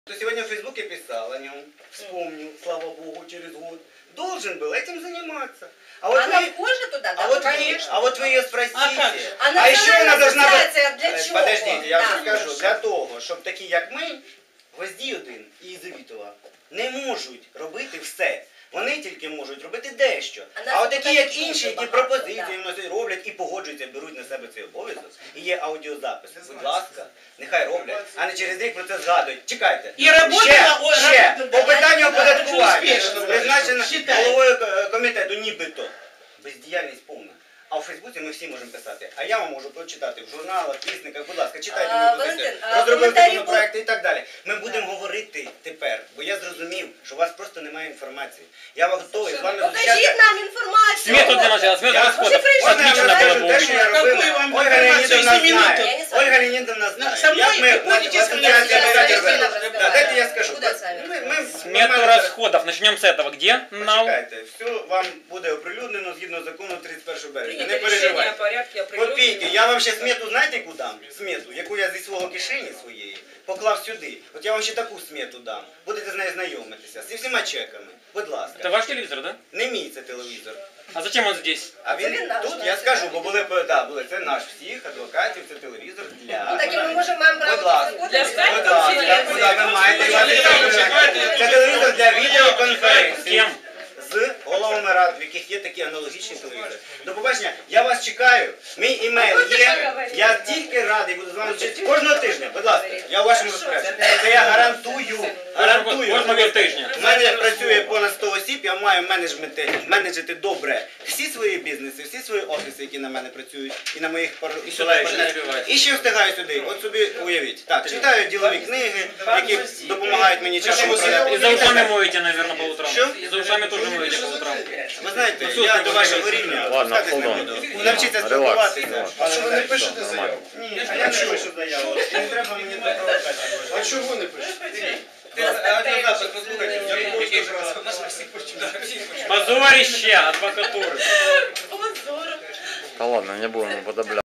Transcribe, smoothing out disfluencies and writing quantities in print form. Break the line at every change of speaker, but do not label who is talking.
То сегодня в Фейсбуке писал о нем, вспомнил, слава Богу, через год. Должен был этим заниматься. А вот
она
вы,
вхожа туда, да?
а вот вы ее спросите.
А
еще вона должна
асоціація для чого?
Подождите, я вам скажу. Для того, щоб такі, як ми, Гвоздій один і Єлизавітова, не можуть робити все. Вони тільки можуть робити дещо. А от такі, як інші, які пропозиції вносять, роблять і погоджуються, беруть на себе цей обов'язок, і є аудіозапис. Будь ласка, нехай роблять, а не через рік про це згадують. Чекайте. Ще, по питанню оподаткування, призначено головою комітету нібито. Бездіяльність повна. А у Фейсбуці ми всі можемо писати. А я вам можу прочитати в журналах, вісниках, будь ласка, читайте мою позицію, розробив законопроекти і так далі. Ми будемо говорити тепер, бо я зрозумів, що у вас просто немає інформації. Я готовий з вами зустрічатися.
Покажіть нам інформацію.
Смету для начала, смету расходов.
Можна я розкажу те, що я робив? Ольга Леонідовна знає. Ольга Леонідовна знає. Як ми в асоціації робимо? Дайте я скажу.
Смету расходов. Начнем с этого. Где?
Почекайте, все вам буде оприлюднено згідно закону 31 березня. Не переживайте. Копійки. Я вам ще смету, знаєте, яку дам? Смету, яку я зі свого кишені своєї поклав сюди. От я вам ще таку смету дам. Будете з нею знайомитися. Зі всіма чеками. Будь ласка.
Это ваш телевизор, да?
Не мій це телевізор.
А зачем он здесь?
А він тут, я скажу, бо були, це наш всіх адвокатів, це телевізор для...
Ну так і ми можемо, маємо
Будь
право
ласка,
заходити.
будь ласка, куди ви маєте? Це телевізор для відеоконференції.
Кем?
З головами рад, в яких є такі аналогічні телевізори. До побачення, я вас чекаю, мій імейл є, я тільки радий буду з вами зустрічатися кожного тижня, будь ласка, я у вашому розпорядженні. Це я гарантую.
Кожного тижня.
У мене працює понад 100 осіб, я маю менеджити добре всі свої бізнеси, всі свої офіси, які на мене працюють, і на моїх партнерів. І ще встигаю сюди, от собі уявіть. Так, читаю ділові книги, які допомагають мені часом управляти.
И за ушами моете, наверное, по утрам.
Що?
И за ушами тоже моете по утрам.
Ви знаєте, я до вашого рівня спускатись не буду. Навчіться спілкуватися.
А що ви не пишете заяву?
Ні, а я не пишу заяву. Не треба мені до провокації.
А чого не пишете?
Аудіозапис послухайте.
Позорище адвокатуры.
Да ладно, не будем уподоблять.